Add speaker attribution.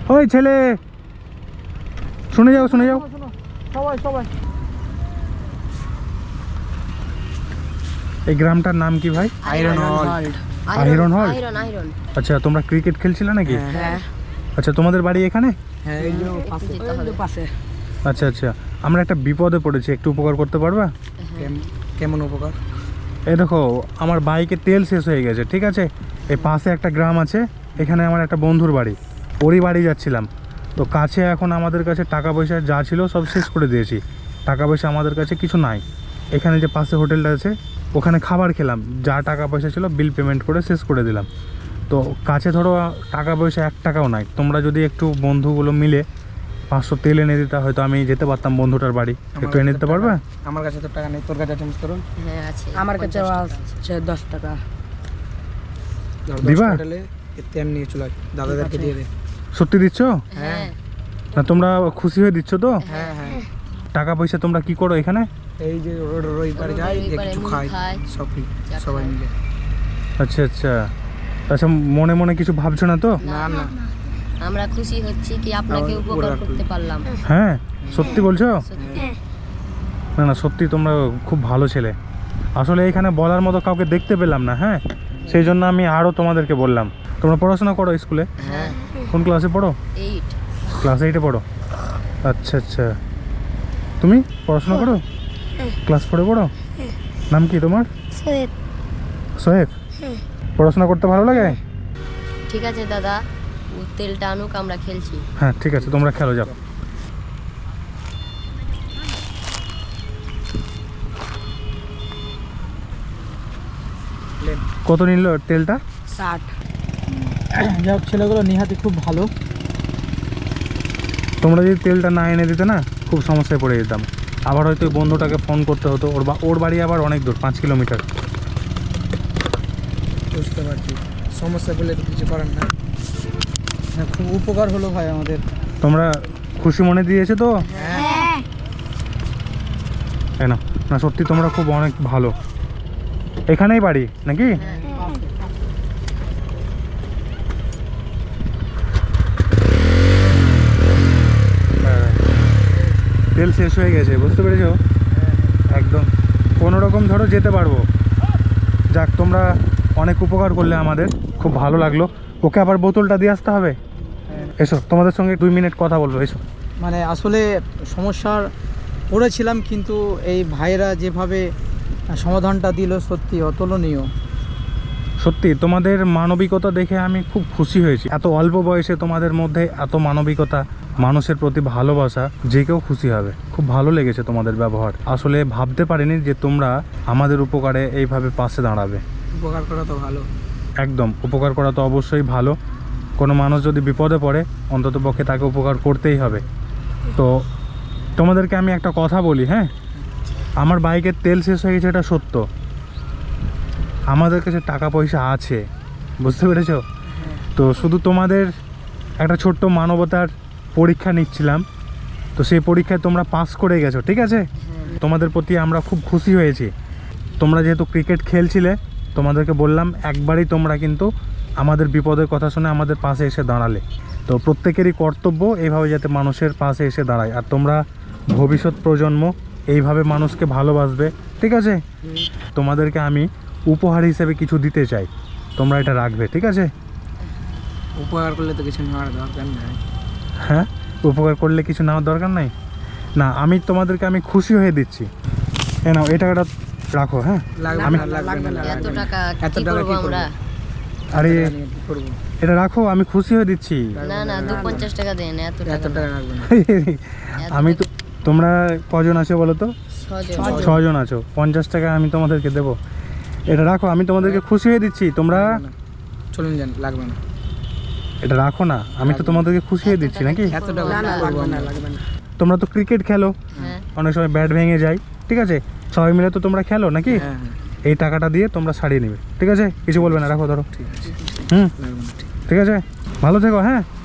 Speaker 1: ওই ছেলে, শুনে যাও শুনে যাও।
Speaker 2: সবাই
Speaker 1: এই গ্রামটার নাম কি ভাই?
Speaker 2: আয়রন হল।
Speaker 1: আয়রন হল।
Speaker 3: আয়রন।
Speaker 1: আচ্ছা, তোমরা ক্রিকেট খেলছিলে নাকি?
Speaker 2: হ্যাঁ
Speaker 1: আচ্ছা, তোমাদের বাড়ি এখানে?
Speaker 2: হ্যাঁ, এই যে পাশে।
Speaker 1: আচ্ছা আচ্ছা, আমরা একটা বিপদে পড়েছি, একটু উপকার করতে পারবা?
Speaker 2: কেমন উপকার?
Speaker 1: এই দেখো, আমার বাইকে তেল শেষ হয়ে গেছে, ঠিক আছে? এই পাশে একটা গ্রাম আছে, এখানে আমার একটা বন্ধুর বাড়ি, ওরই বাড়ি যাচ্ছিলাম। তো কাছে এখন আমাদের কাছে টাকা পয়সা যা ছিল সব শেষ করে দিয়েছি, টাকা পয়সা আমাদের কাছে কিছু নাই। এখানে যে পাশে হোটেলটা আছে ওখানে খাবার খেলাম, যা টাকা পয়সা ছিল বিল পেমেন্ট করে শেষ করে দিলাম। তো কাছে ধরো টাকা পয়সা 1 টাকাও নাই, তোমরা যদি একটু বন্ধুগুলো মিলে 500 তেল এনে দিতে, হয়তো আমি যেতে পারতাম বন্ধুটার বাড়ি। একটু এনে দিতে পারবে?
Speaker 2: আমার কাছে তো টাকা নেই, তোর কাছে আছে মুস্তরুল?
Speaker 3: হ্যাঁ আছে,
Speaker 4: আমার কাছে আছে 10 টাকা।
Speaker 1: দিবা?
Speaker 2: তেল নিয়ে চলে দাদাদেরকে দিয়ে দে।
Speaker 1: সত্যি দিচ্ছ?
Speaker 3: হ্যাঁ
Speaker 1: না তোমরা খুশি হয়ে দিচ্ছ তো?
Speaker 2: হ্যাঁ হ্যাঁ,
Speaker 1: টাকা পয়সা তোমরা কি করো এখানে?
Speaker 2: এই যে রোড পারে যাই, যে কিছু খাই, সবাই মিলে।
Speaker 1: আচ্ছা আচ্ছা, আচ্ছা, মনে মনে কিছু ভাবছো না তো?
Speaker 2: না না,
Speaker 3: আমরা খুশি হচ্ছি কি আপনাকে উপকার করতে পারলাম।
Speaker 1: হ্যাঁ সত্যি বলছো?
Speaker 3: সত্যি।
Speaker 1: না না, সত্যি তোমরা খুব ভালো ছেলে। আসলে এখানে বলার মতো কাউকে দেখতে পেলাম না, হ্যাঁ, সেই জন্য আমি আরও তোমাদেরকে বললাম। তোমরা পড়াশোনা করো স্কুলে?
Speaker 3: হ্যাঁ
Speaker 1: কোন ক্লাসে পড়ো?
Speaker 3: 8।
Speaker 1: ক্লাস 8-এ পড়ো? আচ্ছা আচ্ছা, তুমি পড়াশোনা করো? ক্লাস 4-এ পড়ো? নাম কি তোমার? সোহেব। পড়াশোনা করতে ভালো লাগে?
Speaker 3: ঠিক আছে দাদা, ও তেলটা আনুক, আমরা খেলছি।
Speaker 1: হ্যাঁ ঠিক আছে, তোমরা খেলো, যাও। কত নিল তেলটা?
Speaker 4: 60।
Speaker 2: যাই হোক, ছেলেগুলো নিহাতি খুব ভালো।
Speaker 1: তোমরা যদি তেলটা না এনে দিতে না, খুব সমস্যায় পড়ে যেতাম। আবার হয়তো ওই বন্ধুটাকে ফোন করতে হতো, ওর বাড়ি আবার অনেক দূর, 5 কিলোমিটার।
Speaker 2: বুঝতে পারছি, সমস্যা বলে তো কিছু করার না। খুব উপকার হলো ভাই আমাদের।
Speaker 1: তোমরা খুশি মনে দিয়েছে তো? তাই না? না সত্যি তোমরা খুব অনেক ভালো। এখানেই বাড়ি নাকি? তেল শেষ হয়ে গেছে, বুঝতে পেরেছো? একদম কোনো রকম ধরো যেতে পারবো। যাক, তোমরা অনেক উপকার করলে আমাদের, খুব ভালো লাগলো। ওকে আবার বোতলটা দিয়ে আসতে হবে। এসো, তোমাদের সঙ্গে 2 মিনিট কথা বলবো, এসো।
Speaker 2: মানে আসলে সমস্যার পড়েছিলাম, কিন্তু এই ভাইরা যেভাবে সমাধানটা দিল সত্যি অতুলনীয়।
Speaker 1: সত্যি তোমাদের মানবিকতা দেখে আমি খুব খুশি হয়েছি। এত অল্প বয়সে তোমাদের মধ্যে এত মানবিকতা, মানুষের প্রতি ভালোবাসা, যে কেউ খুশি হবে। খুব ভালো লেগেছে তোমাদের ব্যবহার। আসলে ভাবতে পারিনি যে তোমরা আমাদের উপকারে এইভাবে পাশে দাঁড়াবে।
Speaker 2: উপকার করা তো ভালো।
Speaker 1: একদম, উপকার করা তো অবশ্যই ভালো। কোনো মানুষ যদি বিপদে পড়ে, অন্ততপক্ষে তাকে উপকার করতেই হবে। তো তোমাদেরকে আমি একটা কথা বলি, হ্যাঁ, আমার বাইকের তেল শেষ হয়ে গেছে, এটা সত্য। আমাদের কাছে টাকা পয়সা আছে, বুঝতে পেরেছো? তো শুধু তোমাদের একটা ছোট্ট মানবতার পরীক্ষা নিচ্ছিলাম। তো সেই পরীক্ষায় তোমরা পাস করে গেছো, ঠিক আছে? তোমাদের প্রতি আমরা খুব খুশি হয়েছি। তোমরা যেহেতু ক্রিকেট খেলছিলে, তোমাদেরকে বললাম একবারই তোমরা কিন্তু আমাদের বিপদের কথা শুনে আমাদের পাশে এসে দাঁড়ালে। তো প্রত্যেকেরই কর্তব্য এইভাবে যাতে মানুষের পাশে এসে দাঁড়ায়। আর তোমরা ভবিষ্যৎ প্রজন্ম এইভাবে মানুষকে ভালোবাসবে, ঠিক আছে? তোমাদেরকে আমি উপহার হিসেবে কিছু দিতে চাই, তোমরা এটা রাখবে, ঠিক আছে?
Speaker 2: উপকার করলে তো কিছু নেওয়ার দরকার নাই।
Speaker 1: হ্যাঁ, উপকার করলে কিছু নেওয়ার দরকার নাই না, আমি তোমাদেরকে আমি খুশি হয়ে দিচ্ছি। এ নাও, এই টাকাটা রাখো। হ্যাঁ,
Speaker 3: এত টাকা কি করব আমরা?
Speaker 1: আরে এটা রাখো, আমি খুশি হয়ে দিচ্ছি।
Speaker 3: না না, 250 টাকা দেন, এত টাকা
Speaker 2: রাখবেন।
Speaker 1: আমি তো, তোমরা কজন আছো বলো তো?
Speaker 3: 6
Speaker 1: জন আছো। 50 টাকা আমি তোমাদেরকে দেবো। এটা রাখো, আমি তোমাদেরকে খুশি হয়ে দিচ্ছি। তোমরা
Speaker 2: চলুন যান, লাগবে না।
Speaker 1: এটা রাখো না, আমি তো তোমাদেরকে খুশি হয়ে দিচ্ছি নাকি?
Speaker 2: এত টাকা লাগবে না।
Speaker 1: তোমরা তো ক্রিকেট খেলো,
Speaker 3: হ্যাঁ
Speaker 1: অনেক সময় ব্যাট ভেঙে যায়, ঠিক আছে? সবাই মিলে তো তোমরা খেলো নাকি?
Speaker 2: হ্যাঁ,
Speaker 1: এই টাকাটা দিয়ে তোমরা সারিয়ে নেবে, ঠিক আছে? কিছু বলবে না, রাখো, ধরো।
Speaker 2: ঠিক আছে,
Speaker 1: হুম,
Speaker 2: লাগবে না।
Speaker 1: ঠিক আছে, ভালো থেকো। হ্যাঁ।